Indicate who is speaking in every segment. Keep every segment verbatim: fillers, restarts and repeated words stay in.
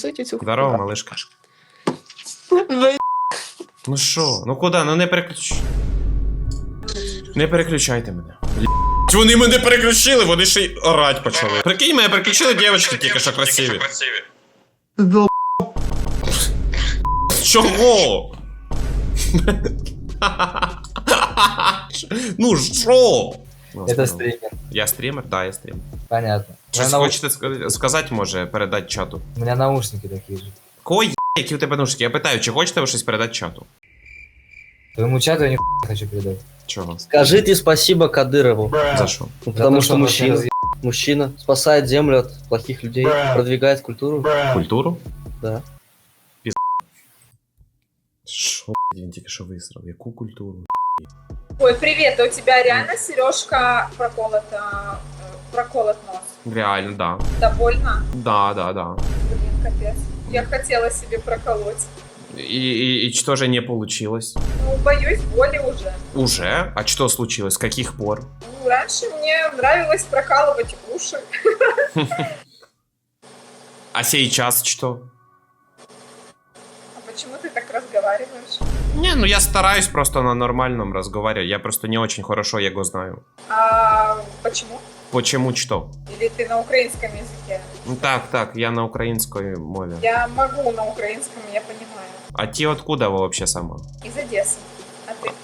Speaker 1: засуйте цю хуйню.
Speaker 2: Здорово, малишка. Ну що? Ну куди? Ну не переключ... Не переключайте мене. Вони мене переключили, вони ще й орать почали. Прикинь, мене переключили дівчатки тільки що красиві. Чого? Ну що?
Speaker 3: Это стример.
Speaker 2: Я стример? Да, я стример.
Speaker 3: Понятно.
Speaker 2: Щось
Speaker 3: Нау-
Speaker 2: хочете ска- сказати, може, передати чату?
Speaker 3: У меня наушники такие же.
Speaker 2: Кого є, які у тебе наушники? Я питаю, чи хочете ви щось передати чату?
Speaker 3: Твоему чату я ни хочу передать.
Speaker 2: Чого?
Speaker 4: Скажите спасибо Кадырову,
Speaker 2: За що?
Speaker 4: ну, потому
Speaker 3: то,
Speaker 4: что
Speaker 3: он
Speaker 4: мужчина,
Speaker 3: разъеб-
Speaker 4: мужчина спасает землю от плохих людей, продвигает культуру.
Speaker 2: Культуру?
Speaker 4: Да.
Speaker 2: Що, блін, тільки що висрав? Яку культуру?
Speaker 5: Ой, привет, а у тебя реально сережка проколота, э, проколот нос?
Speaker 2: Реально, да.
Speaker 5: Да больно?
Speaker 2: Да, да, да.
Speaker 5: Блин, капец. Я хотела себе проколоть.
Speaker 2: И, и, и что же не получилось?
Speaker 5: Ну, боюсь боли уже.
Speaker 2: Уже? А что случилось? С каких пор?
Speaker 5: Ну, раньше мне нравилось прокалывать уши.
Speaker 2: А сейчас что?
Speaker 5: А почему ты так разговариваешь?
Speaker 2: Не, ну я стараюсь просто на нормальном разговаривать. Я просто не очень хорошо его знаю.
Speaker 5: А почему?
Speaker 2: Почему что?
Speaker 5: Или ты на украинском языке?
Speaker 2: Ну так, так, я на украинской мове.
Speaker 5: Я могу на украинском, я понимаю.
Speaker 2: А ты откуда вы вообще сама?
Speaker 5: Из Одессы. А ты?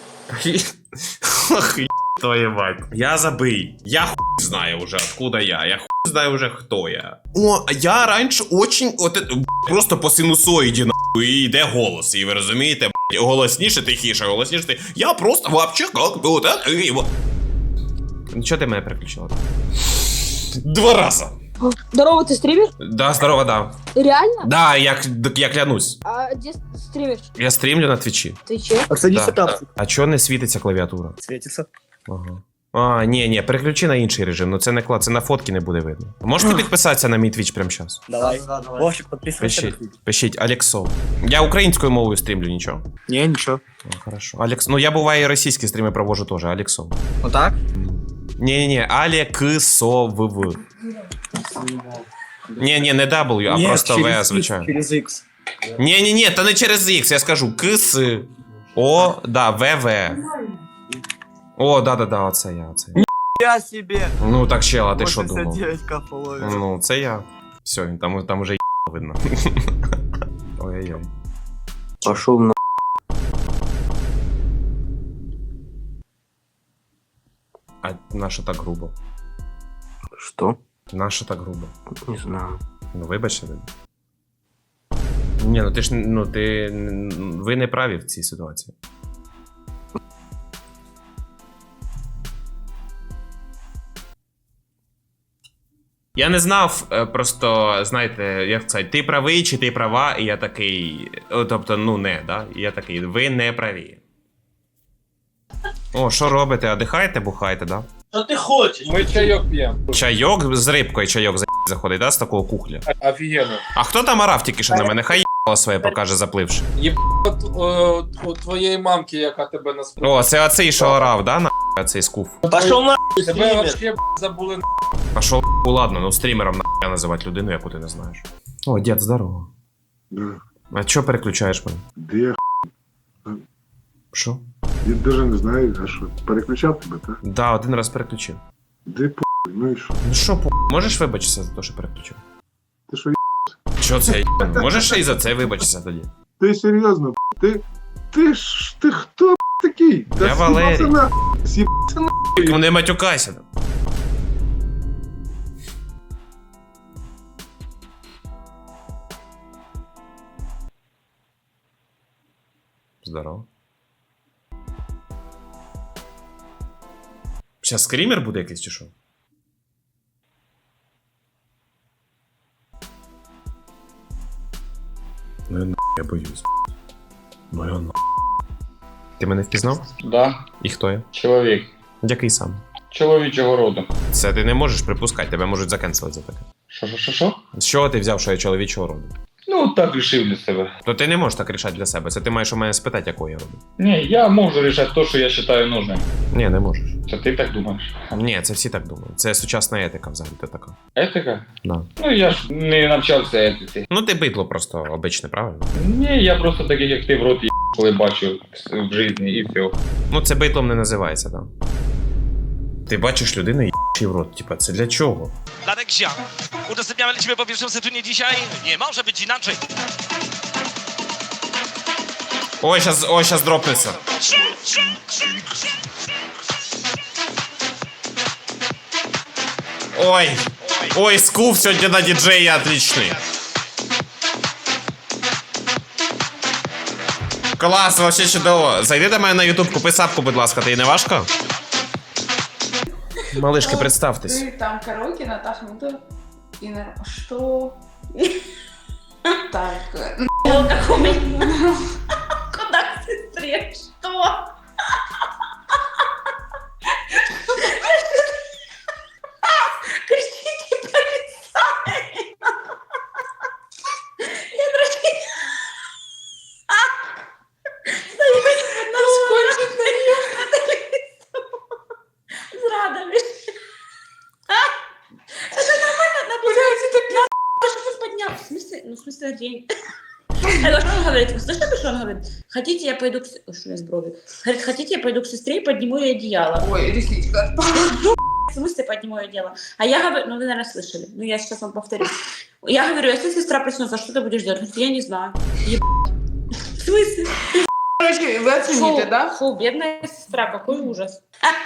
Speaker 2: Ах, твою мать. Я забый. Я хуй знаю уже, откуда я. Я хуй знаю уже, кто я. О, я раньше очень... От, это, просто по синусоїді, нахуй, і йде голос. І ви розумієте, б***ь, голосніше, тихіше, голосніше, ти... Я просто вообще как бы вот это... и вот. Ну, чого ти мене переключила? Два раза.
Speaker 6: Здорово, ты стример?
Speaker 2: Да, здорово, да.
Speaker 6: Реально?
Speaker 2: Да, я, я клянусь.
Speaker 6: А где стримишь?
Speaker 2: Я стрімлю на твічі.
Speaker 6: Ты че?
Speaker 4: А садись
Speaker 2: Да.
Speaker 4: там.
Speaker 2: А чого не світиться клавіатура?
Speaker 4: Светится.
Speaker 2: Ага. А, ні, ні, переключи на інший режим, ну це не клад, це на фотки не буде видно. Можете підписатися на мій твіч прямо зараз?
Speaker 4: Давай. Вовчик, подписывайся.
Speaker 2: Пишіть, пишіть, Алексов. Я українською мовою стрімлю, нічого.
Speaker 4: Не, ничего.
Speaker 2: О, хорошо. Алекс, ну я буває і російські стріми провожу теж, Алексов.
Speaker 4: Вот так?
Speaker 2: Ні-ні-ні, Алексов. Ні-ні, не W, а просто В, звичайно.
Speaker 4: Через X.
Speaker 2: Ні-ні-ні, та не через X, я скажу КС. О, да, ВВ. О, да-да-да, оце я, оце я.
Speaker 4: Я себе.
Speaker 2: Ну так, чел, а ти що думав?
Speaker 4: восемьдесят девять ка ловит.
Speaker 2: Ну, це я. Все, там, там уже видно. Ой-ой-ой.
Speaker 4: Пошел на.
Speaker 2: А нащо так грубо?
Speaker 4: Что?
Speaker 2: Нащо так грубо?
Speaker 4: Не знаю.
Speaker 2: Ну, вибачте. Ні, ну ти ж, ну ти, ви не праві в цій ситуації. Я не знав, е, просто, знаєте, як сказати, ти правий чи ти права, і я такий, о, тобто, ну не, да? І я такий, ви не праві. О, що робите? Одихаєте, бухаєте, да?
Speaker 7: Що ти хочеш? Ми чайок п'ємо.
Speaker 2: Чайок з рибкою чайок за заходить, да, з такого кухля.
Speaker 7: Офігенно.
Speaker 2: А хто там орав тільки що на мене? Хай їбало своє покаже, запливши.
Speaker 7: От, о, у твоєї мамки, яка тебе насправді.
Speaker 2: О, це оцей, що орав, да, на оцей скуф?
Speaker 4: Пошел на.
Speaker 7: Тебе вообще забули на.
Speaker 2: А що, ладно, ну стрімером на називати людину, яку ти не знаєш. О, дід, здорово.
Speaker 8: Да.
Speaker 2: А чого переключаєш мене?
Speaker 8: Да я,
Speaker 2: Що?
Speaker 8: я даже не знаю, а що, переключав тебе, так?
Speaker 2: Да, один раз переключив.
Speaker 8: Де по, ну і що?
Speaker 2: Ну що, по... можеш вибачитися за те, що переключив?
Speaker 8: Ти що,
Speaker 2: Що це я? Можеш ще й за це вибачитися тоді?
Speaker 8: ти серйозно, ти, ти ж, ти хто такий? Та
Speaker 2: Я Валерій.
Speaker 8: сібаться на, сіб...
Speaker 2: Тільки не матюкайся. Здорово. Сейчас скример буде якийсь чи що? Ну я на... я боюсь. Ну я на... Ти мене впізнав?
Speaker 7: Да,
Speaker 2: І хто я?
Speaker 7: чоловік.
Speaker 2: Який сам?
Speaker 7: Чоловічого роду.
Speaker 2: Це ти не можеш припускати, тебе можуть закенселити за таке.
Speaker 7: Що, що, що, що?
Speaker 2: З чого ти взяв, що я чоловічого роду?
Speaker 1: Ну, так рішив для себе.
Speaker 2: То ти не можеш так рішати для себе. Це ти маєш у мене спитати, якого я роблю.
Speaker 1: Ні, я можу рішати те, що я вважаю нужним.
Speaker 2: Ні, не можеш.
Speaker 1: Це ти так думаєш?
Speaker 2: Ні, це всі так думають. Це сучасна етика взагалі така.
Speaker 1: Етика?
Speaker 2: Да.
Speaker 1: Ну, я ж не навчався етиці.
Speaker 2: Ну ти бидло просто обичне, правильно?
Speaker 1: Ні, я просто таких, як ти, в рот є, коли бачу в житті і все.
Speaker 2: Ну це битлом не називається, так. Да. Ти бачиш людину і їй в рот. Типа, це для чого?
Speaker 9: Radek Zian. Udostępniamy lecimy po pierwszym setunie dzisiaj. Nie może być inaczej.
Speaker 2: Ой, щас, ой, щас дропнеться. Ой, ой, скуф сьогодні на діджеї отличний. Клас, вообще чудово. Зайди до мене на ютуб, купи сапку, будь ласка, ти не важко? Малышки, представтесь.
Speaker 10: Ты там караоке, Наташа, ну ты... И на... Что? Так...
Speaker 5: Куда к сестре? Что? Кричите, полицай! Я дрожу. Насколько зрадами. Это нормально? Блядь, это пи***. Что ты поднял? В смысле? Ну, в смысле, день. А что он говорит? Вы слышали, что он говорит? Хотите, я пойду к... с- Ой, что у меня с брови? Говорит, хотите, я пойду к сестре и подниму ей одеяло.
Speaker 10: Ой, ресничка.
Speaker 5: В смысле подниму ее дело? А я говорю, ну вы, наверное, слышали. Ну я сейчас вам повторю. Я говорю, если сестра проснется, что ты будешь делать? Он говорит, я не знаю. Еб... В смысле?
Speaker 10: Короче, вы оцените,
Speaker 5: Фу,
Speaker 10: да?
Speaker 5: фу, бедная сестра, какой ужас.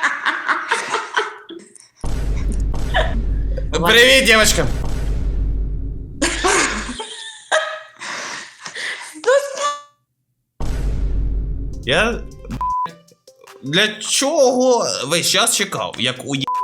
Speaker 2: Привіт, дівчатка. Я... Для чого весь час чекав, як у є...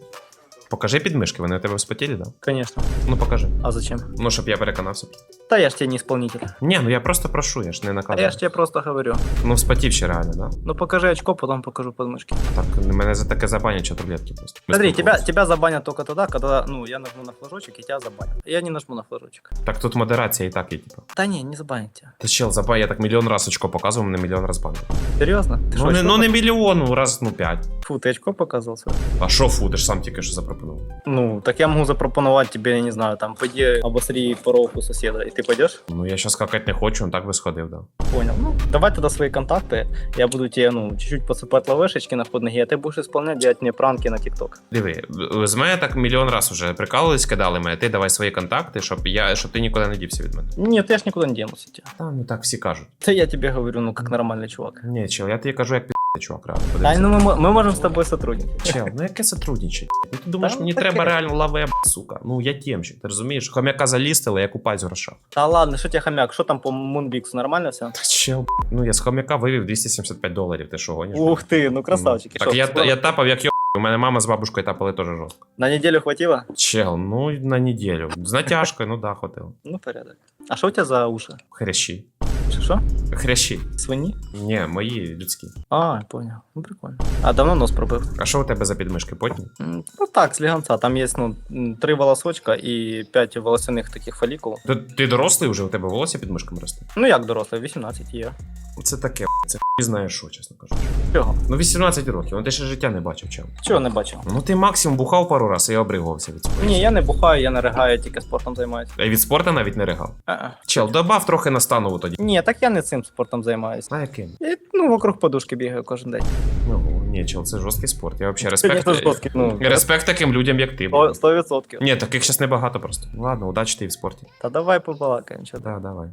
Speaker 2: Покажи підмишки, вони у тебе вспотіли, да?
Speaker 11: Конечно.
Speaker 2: Ну покажи.
Speaker 11: А зачем?
Speaker 2: Ну, щоб я переконався.
Speaker 11: Да я ж тебе не исполнитель.
Speaker 2: Ні, ну я просто прошу, я ж не
Speaker 11: А
Speaker 2: наказую.
Speaker 11: я ж тебе просто говорю.
Speaker 2: Ну вспотів ще реально, да?
Speaker 11: Ну покажи очко, потом покажу подмышки.
Speaker 2: Так, мене за таке забанять, що таблетки просто.
Speaker 11: Смотри,
Speaker 2: Без
Speaker 11: тебя,
Speaker 2: приколу.
Speaker 11: тебя забанят только тогда, когда, ну, я нажму на флажочек и тебя забанят. Я не нажму на флажочек.
Speaker 2: Так тут модерація і так є, типу.
Speaker 11: Да не, не забанят тебя.
Speaker 2: Ти чел, забан, я так мільйон раз очко показував, мене мільйон раз банив.
Speaker 11: Серьезно? Ты
Speaker 2: Ну
Speaker 11: шо,
Speaker 2: не,
Speaker 11: очко
Speaker 2: ну не
Speaker 11: пок-
Speaker 2: мільйон, ну раз, ну п'ять.
Speaker 11: Фу, ты очко показал свое?
Speaker 2: А шо фу, ти ж сам тільки що запропонував.
Speaker 11: Ну, так я могу запропоновать тебе, я не знаю, там, пойди обосри порог у соседа, и ты пойдешь?
Speaker 2: Ну я щас какать не хочу, он так би сходив, да.
Speaker 11: Понял. Ну, давай тогда свои контакты, я буду тебе, ну, чуть-чуть посыпать лавешечки на под ноги, а ты будешь исполнять, делать мне пранки на ТикТок.
Speaker 2: Диви, з мене так мільйон раз уже прикалувались, кидали мене, ти давай свої контакти, щоб я, щоб ти нікуди не дівся від мене.
Speaker 11: Нет, я ж никуда не денусь от тебя.
Speaker 2: Та, ну так всі кажуть.
Speaker 11: Да я тебе говорю, ну, как нормальный чувак.
Speaker 2: Ні, чел, я тобі кажу, як пі***й, чувак, реально.
Speaker 11: Да,
Speaker 2: подивися.
Speaker 11: ну мы, мо- мы можем с тобой сотрудничать.
Speaker 2: Чел, ну яке сотрудничать? Ну ти думаєш,
Speaker 11: Та,
Speaker 2: мені
Speaker 11: таке.
Speaker 2: треба реально лаве, сука. Ну я тємщик, ти розумієш? Хомяка залістили, я купаюсь в грошах.
Speaker 11: Да ладно, что тебе хомяк, что там по Мунбиксу, нормально все?
Speaker 2: Та чел, ну я з хомяка вивів двісті сімдесят п'ять доларів, ти що гониш?
Speaker 11: Ух ты, ну красавчики.
Speaker 2: Так
Speaker 11: Шо,
Speaker 2: я,
Speaker 11: скоро?
Speaker 2: я тапав як йо... У мене мама з бабушкою тапали теж жорстко.
Speaker 11: На неделю хватило?
Speaker 2: Чел, ну на неділю. З натяжкою, ну да, хватило.
Speaker 11: Ну, порядок. А что у тебя за уши?
Speaker 2: Хрящі.
Speaker 11: Что?
Speaker 2: Хрящі.
Speaker 11: Свиньи?
Speaker 2: Ні, мої людські.
Speaker 11: А, понял. Ну, прикольно. А давно нос пробив?
Speaker 2: А що у тебе за підмишки, потні?
Speaker 11: М, Ну так, слегонца. Там есть, ну, м, три волосочка и пять волосяных таких фолликул.
Speaker 2: Ти, ти дорослий вже, у тебе волосся під мишками росте?
Speaker 11: Ну, як дорослий, вісімнадцять є.
Speaker 2: Це таке, це хуй знає що, чесно кажучи.
Speaker 11: Чого?
Speaker 2: Ну вісімнадцять років, ну ти ще життя не бачив, чел.
Speaker 11: Чого не бачив?
Speaker 2: Ну ти максимум бухав пару раз і обригувався від цього.
Speaker 11: Ні, я не бухаю, я не ригаю, тільки спортом займаюся.
Speaker 2: А від спорту навіть не ригав.
Speaker 11: А-а.
Speaker 2: Чел, добав трохи на станову тоді.
Speaker 11: Ні, так я не цим спортом займаюся.
Speaker 2: А яким?
Speaker 11: І, ну, вокруг подушки бігаю кожен день.
Speaker 2: Ну, ні, чел, це жорсткий спорт. Я взагалі
Speaker 11: Це
Speaker 2: респект.
Speaker 11: не жорсткий, ну.
Speaker 2: Респект таким людям, як ти.
Speaker 11: Сто- Сто відсотків.
Speaker 2: Ні, таких зараз небагато просто. Ладно, удачі ти в спорті.
Speaker 11: Та давай побалакаємо, чого.
Speaker 2: Да, давай.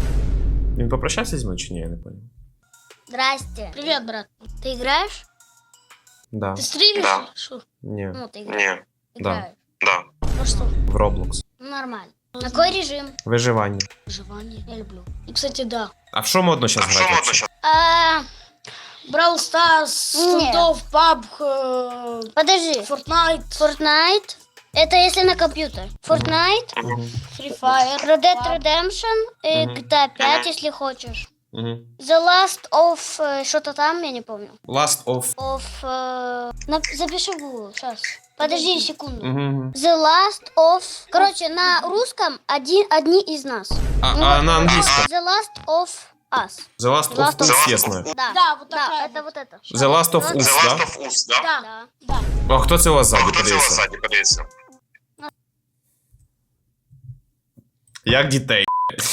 Speaker 2: Він попрощався зі мною чи ні, я не понял.
Speaker 12: Здрасте. Привет, брат. Ты играешь?
Speaker 2: Да.
Speaker 12: Ты стримишь? Да. Шо?
Speaker 2: Ні.
Speaker 12: Ну, ты играешь.
Speaker 2: Да.
Speaker 12: Играешь.
Speaker 2: Да.
Speaker 12: Ну что?
Speaker 2: В Roblox.
Speaker 12: Ну, нормально. На какой режим?
Speaker 2: Виживання.
Speaker 12: Выживание. Я люблю. И, кстати, да.
Speaker 2: А в що модно зараз грати? вообще?
Speaker 12: А, Brawl Stars, Фунтов, пабг, подожди. Fortnite. Fortnite? Это если на компьютер. Fortnite,
Speaker 2: Мгм.
Speaker 12: Free Fire, Red Dead Redemption и
Speaker 2: Мгм.
Speaker 12: джи ти ей пять, если хочешь.
Speaker 2: Мгм.
Speaker 12: The Last of э, что-то там, я не помню.
Speaker 2: Last of...
Speaker 12: Of... э, на- запиши в Google, сейчас. Подожди секунду.
Speaker 2: Угу.
Speaker 12: The last of... Короче, на русском один, одни из нас.
Speaker 2: А,
Speaker 12: Ну,
Speaker 2: а
Speaker 12: вот
Speaker 2: на английском?
Speaker 12: The last of us.
Speaker 2: The Last of Us, я знаю.
Speaker 12: Да,
Speaker 6: Да, вот
Speaker 12: да,
Speaker 6: такая
Speaker 12: это вот это.
Speaker 2: The Last of
Speaker 12: Вот-
Speaker 2: Us, да?
Speaker 12: Да, да.
Speaker 2: А хто це у вас ззаді, подивіться? Як дітей.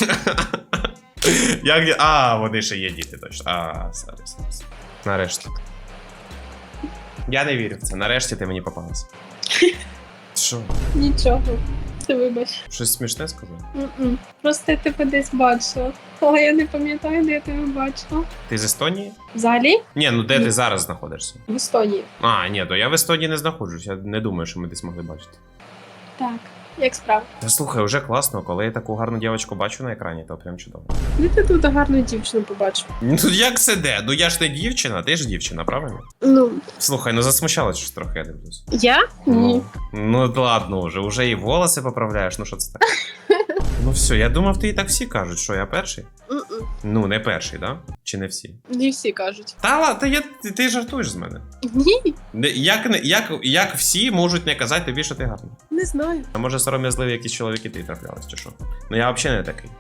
Speaker 2: Як ді... А, вони ще є діти, точно. А, сорі, сорі. Нарешті. Я не вірю в це. Нарешті ти мені попалась. Що?
Speaker 6: Нічого. Ти вибач.
Speaker 2: Щось смішне сказав?
Speaker 6: М-м. Просто я тебе десь бачила. Але я не пам'ятаю, де я тебе бачила.
Speaker 2: Ти з Естонії?
Speaker 6: Взагалі?
Speaker 2: Ні, ну де ти зараз знаходишся?
Speaker 6: В Естонії.
Speaker 2: А, ні, то я в Естонії не знаходжусь. Я не думаю, що ми десь могли бачити.
Speaker 6: Так. Як справа?
Speaker 2: Та слухай, вже класно, коли я таку гарну дівчинку бачу на екрані, то прям чудово.
Speaker 6: Де ти тут гарну дівчину побачив?
Speaker 2: Ну як це де? Ну я ж не дівчина, ти ж дівчина, правильно?
Speaker 6: Ну,
Speaker 2: Слухай, ну засмущалась щось трохи, я дивлюсь.
Speaker 6: я? Ні.
Speaker 2: Ну, ну ладно вже, уже і волоси поправляєш, ну що це таке? Ну все, я думав, ти і так всі кажуть, що я перший.
Speaker 6: М-м.
Speaker 2: Ну, не перший, да? Чи не всі?
Speaker 6: Не всі кажуть.
Speaker 2: Та ладно, та я, ти, ти жартуєш з мене.
Speaker 6: Ні,
Speaker 2: Не- Як, не- як, як всі можуть не казати тобі, що ти гарний?
Speaker 6: не знаю.
Speaker 2: А може сором'язливі якісь чоловіки ти траплялись, чи що? Ну я взагалі не такий.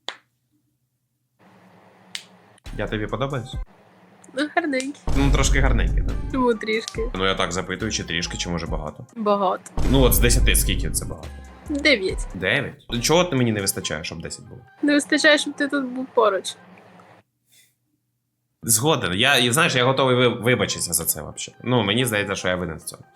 Speaker 2: Я тобі подобаюсь?
Speaker 6: Ну, гарненький.
Speaker 2: Ну, трошки гарненький, так?
Speaker 6: Чому трішки?
Speaker 2: Ну я так запитую, чи трішки, чи може багато.
Speaker 6: Багато.
Speaker 2: Ну от з десяти скільки це багато?
Speaker 6: Дев'ять.
Speaker 2: дев'ять? Чого ти мені не вистачає, щоб десять було?
Speaker 6: Не вистачає, щоб ти тут був поруч.
Speaker 2: Згоден. Я, і знаєш, я готовий ви- вибачитися за це взагалі. Ну, мені здається, що я винен в цьому.